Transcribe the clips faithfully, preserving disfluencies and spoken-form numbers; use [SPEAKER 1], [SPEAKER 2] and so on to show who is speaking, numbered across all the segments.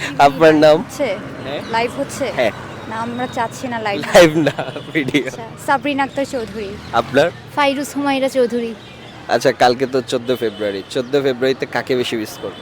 [SPEAKER 1] আপনার নাম?
[SPEAKER 2] হচ্ছে
[SPEAKER 1] হ্যাঁ
[SPEAKER 2] লাইভ হচ্ছে
[SPEAKER 1] হ্যাঁ
[SPEAKER 2] না, আমরা চাচ্ছি না লাইভ।
[SPEAKER 1] লাইভ না ভিডিও।
[SPEAKER 2] সাবরিন আক্তার চৌধুরী।
[SPEAKER 1] আপনার?
[SPEAKER 2] ফাইরুজ হুমায়রা চৌধুরী।
[SPEAKER 1] আচ্ছা কালকে তো চোদ্দ ফেব্রুয়ারি, চোদ্দ ফেব্রুয়ারিতে কাকে বেশি মিস করবেন?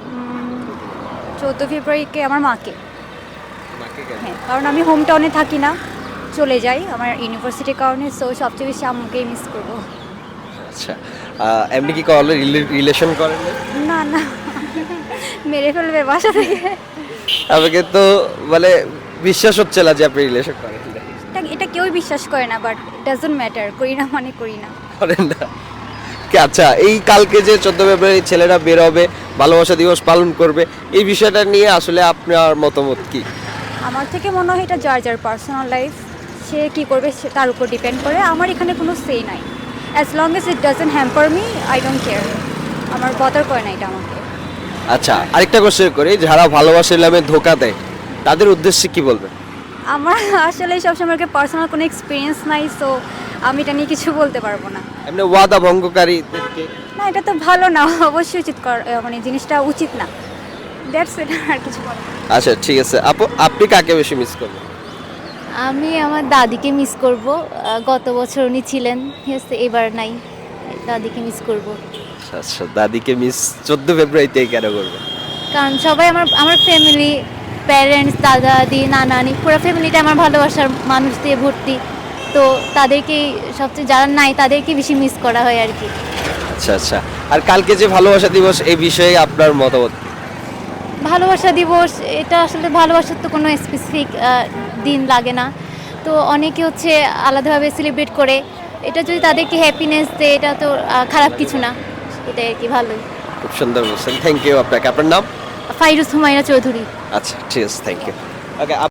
[SPEAKER 2] চৌদ্দ ফেব্রুয়ারিকে আমার মাকে।
[SPEAKER 1] মাকে কেন?
[SPEAKER 2] হ্যাঁ, কারণ আমি হোম টাউনে থাকি না, চলে যাই আমার ইউনিভার্সিটির কারণে, সো সবচেয়ে বেশি আম্মুকেই মিস করবো।
[SPEAKER 1] আচ্ছা আহ, এমনি কি কলে রিলেশন করেন না?
[SPEAKER 2] না না, মেরে ফেলবে বাসা থেকে।
[SPEAKER 1] আমাকে তো মানে বিশ্বাস হচ্ছে না যে আপনি রিলেশন করেন না।
[SPEAKER 2] এটা এটা কেউই বিশ্বাস করে না, বাট ডাজন্ট ম্যাটার, করি না মানে করি না।
[SPEAKER 1] করেন না কি? আচ্ছা এই কালকে যে চোদ্দ ফেব্রুয়ারি ছেলেরা বের হবে, ভালোবাসা দিবস পালন করবে, এই বিষয়টা নিয়ে আসলে আপনার মতামত কি?
[SPEAKER 2] আমার থেকে মনে হয় এটা যার যার পার্সোনাল লাইফ, সে কী করবে সে তার উপর ডিপেন্ড করে। আমার এখানে কোনো সে নাই, as long as it doesn't hamper me, I don't care. আমার বদার করে না এটা আমাকে।
[SPEAKER 1] আচ্ছা আরেকটা কোশ্চেন করি, যারা ভালোবাসার নামে ধোকা দেয় তাদের উদ্দেশ্যে কি বলবেন?
[SPEAKER 2] আমার আসলে সবসময় পার্সোনাল কোনো এক্সপিরিয়েন্স নাই, সো আমি এটা নিয়ে কিছু বলতে পারবো না।
[SPEAKER 1] এমনি ওয়াদা ভঙ্গকারীদেরকে?
[SPEAKER 2] না, এটা তো ভালো না, অবশ্যই উচিত কর- মানে জিনিসটা উচিত না। দ্যাটস ইট, আর কিছু বলার নেই।
[SPEAKER 1] আচ্ছা ঠিক আছে আপু, আপনি কাকে বেশি মিস করবেন?
[SPEAKER 3] আমি আমার দাদিকে মিস করব। আহ, গত বছর উনি ছিলেন, ঠিক আছে, এবার নাই। দাদিকে মিস করব
[SPEAKER 1] আচ্ছা আচ্ছা দাদিকে মিস চোদ্দ ফেব্রুয়ারিতে কেন করবেন?
[SPEAKER 3] কারণ সবাই আমার আমার ফ্যামিলি, প্যারেন্টস, দাদা দাদি, নানা নানি, পুরো ফ্যামিলিটা আমার ভালোবাসার মানুষ দিয়ে ভর্তি। তো তাদেরকেই সবচেয়ে, যারা নাই তাদেরকে বেশি মিস করা হয় আর কি।
[SPEAKER 1] আচ্ছা আচ্ছা আর কালকে যে ভালোবাসা দিবস, এই বিষয়ে আপনার মতামত কি?
[SPEAKER 3] ভালোবাসা দিবস, এটা আসলে ভালোবাসার তো কোনো স্পেসিফিক দিন লাগে না। তো অনেকে হচ্ছে আলাদাভাবে সেলিব্রেট করে, এটা যদি তাদেরকে হ্যাপিনেস দেয় এটা তো আহ, খারাপ কিছু না, এটাই আর কি, ভালোই।
[SPEAKER 1] খুব সুন্দর বলছেন, থ্যাংক ইউ আপনাকে। আপনার নাম?
[SPEAKER 3] ফাইরুজ হুমায়রা চৌধুরী।
[SPEAKER 1] আচ্ছা ঠিক আছে, থ্যাংক ইউ। ওকে।